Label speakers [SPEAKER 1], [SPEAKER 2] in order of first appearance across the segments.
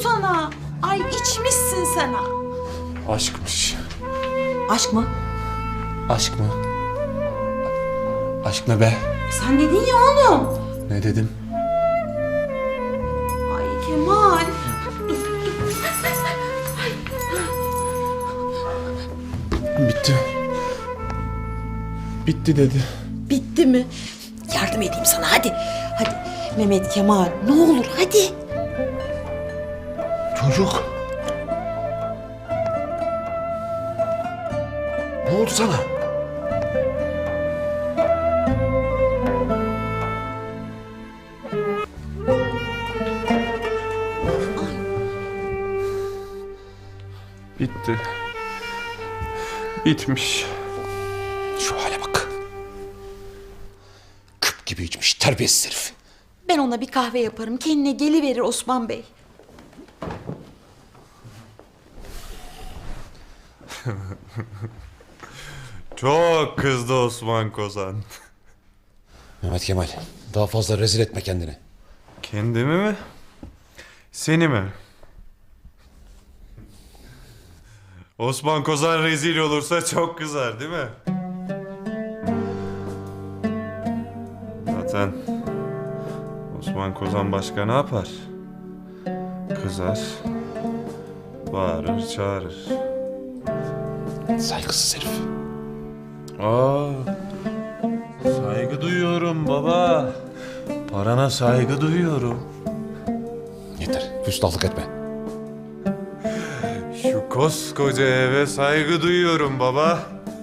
[SPEAKER 1] sana? Ay içmişsin sen ha.
[SPEAKER 2] Aşkmış.
[SPEAKER 1] Aşk mı?
[SPEAKER 2] Aşk mı? Aşk ne be?
[SPEAKER 1] Sen dedin ya oğlum.
[SPEAKER 2] Ne dedim?
[SPEAKER 1] Ay Kemal.
[SPEAKER 2] Bitti. Bitti dedi.
[SPEAKER 1] Bitti mi? Yardım edeyim sana hadi. Hadi Mehmet Kemal ne olur hadi.
[SPEAKER 2] Çocuk. Ne oldu sana? Bitti. Bitmiş.
[SPEAKER 3] Şu hale bak. Küp gibi içmiş terbiyesiz herif.
[SPEAKER 1] Ben ona bir kahve yaparım. Kendine geliverir Osman Bey.
[SPEAKER 4] Çok kızdı Osman Kozan.
[SPEAKER 3] Mehmet Kemal, daha fazla rezil etme kendini.
[SPEAKER 4] Kendimi mi? Seni mi? Osman Kozan rezil olursa çok kızar değil mi? Zaten Osman Kozan başka ne yapar? Kızar, bağırır, çağırır.
[SPEAKER 3] Saygısız herif.
[SPEAKER 4] Aa, saygı duyuyorum baba. Parana saygı duyuyorum.
[SPEAKER 3] Yeter, küstahlık etme.
[SPEAKER 4] Şu koskoca eve saygı duyuyorum baba.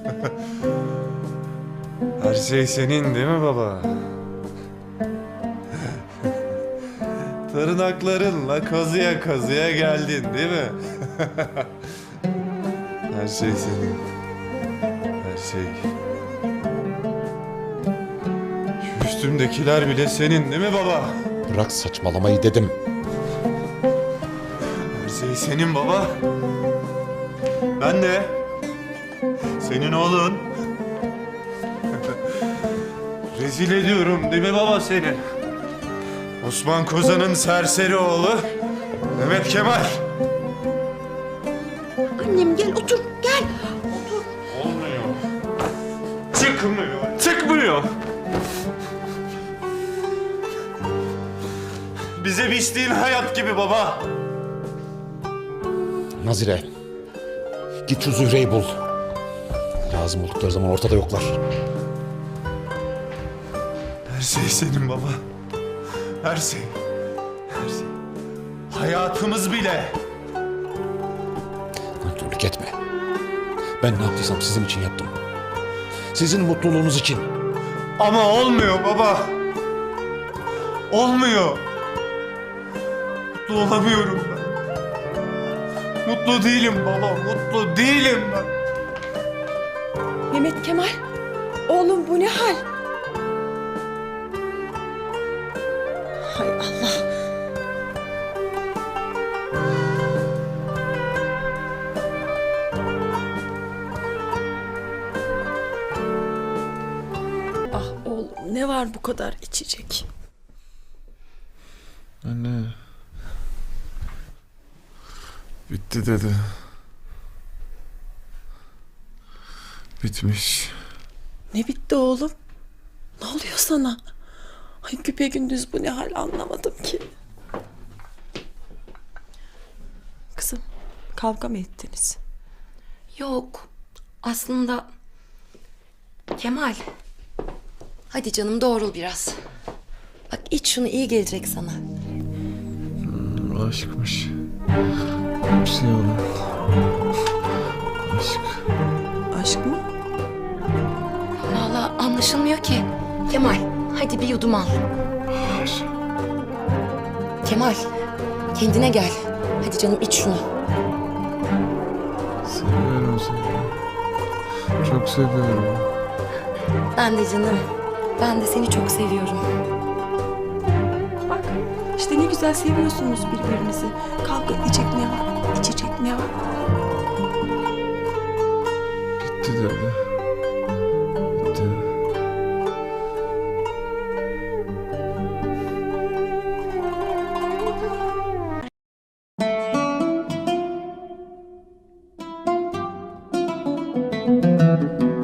[SPEAKER 4] Her şey senin değil mi baba? Tırnaklarınla kazıya kazıya geldin değil mi? Her şey senin. Her şey. Şu üstümdekiler bile senin değil mi baba?
[SPEAKER 3] Bırak saçmalamayı dedim.
[SPEAKER 4] Her şey senin baba. Ben de senin oğlun. Rezil ediyorum değil mi baba seni? Osman Kozan'ın serseri oğlu Mehmet Kemal.
[SPEAKER 1] Annem gel otur gel. Otur.
[SPEAKER 4] Olmuyor. Çıkmıyor. Çıkmıyor. Bize biçtiğin hayat gibi baba.
[SPEAKER 3] Nazire, git şu Zühre'yi bul. Lazım oldukları zaman ortada yoklar.
[SPEAKER 4] Her şey senin baba. Her şey. Her şey. Hayatımız bile.
[SPEAKER 3] Nankörlük etme. Ben ne yaptıysam sizin için yaptım. Sizin mutluluğunuz için.
[SPEAKER 4] Ama olmuyor baba. Olmuyor. Mutlu olamıyorum ben. Mutlu değilim baba. Mutlu değilim ben.
[SPEAKER 5] Mehmet Kemal, oğlum bu ne hal? Hay Allah. Ah oğlum ne var bu kadar içecek?
[SPEAKER 4] Anne. Bitti dedi. Bitmiş.
[SPEAKER 5] Ne bitti oğlum? Ne oluyor sana? Ay güpegündüz bu ne hal anlamadım ki. Kızım kavga mı ettiniz?
[SPEAKER 6] Yok. Aslında Kemal. Hadi canım doğrul biraz. Bak iç şunu iyi gelecek sana.
[SPEAKER 4] Aşkmış. Hepsi yalan. Aşk.
[SPEAKER 5] Aşk mı?
[SPEAKER 6] Vallahi anlaşılmıyor ki. Kemal hadi bir yudum al. Kemal kendine gel. Hadi canım iç şunu.
[SPEAKER 4] Seviyorum seni. Çok seviyorum.
[SPEAKER 6] Ben de canım. Ben de seni çok seviyorum.
[SPEAKER 5] Bak işte ne güzel seviyorsunuz birbirinizi. Kavga edecek ne var? İçecek ne var?
[SPEAKER 4] Bitti dedi. Bitti.
[SPEAKER 6] Baba.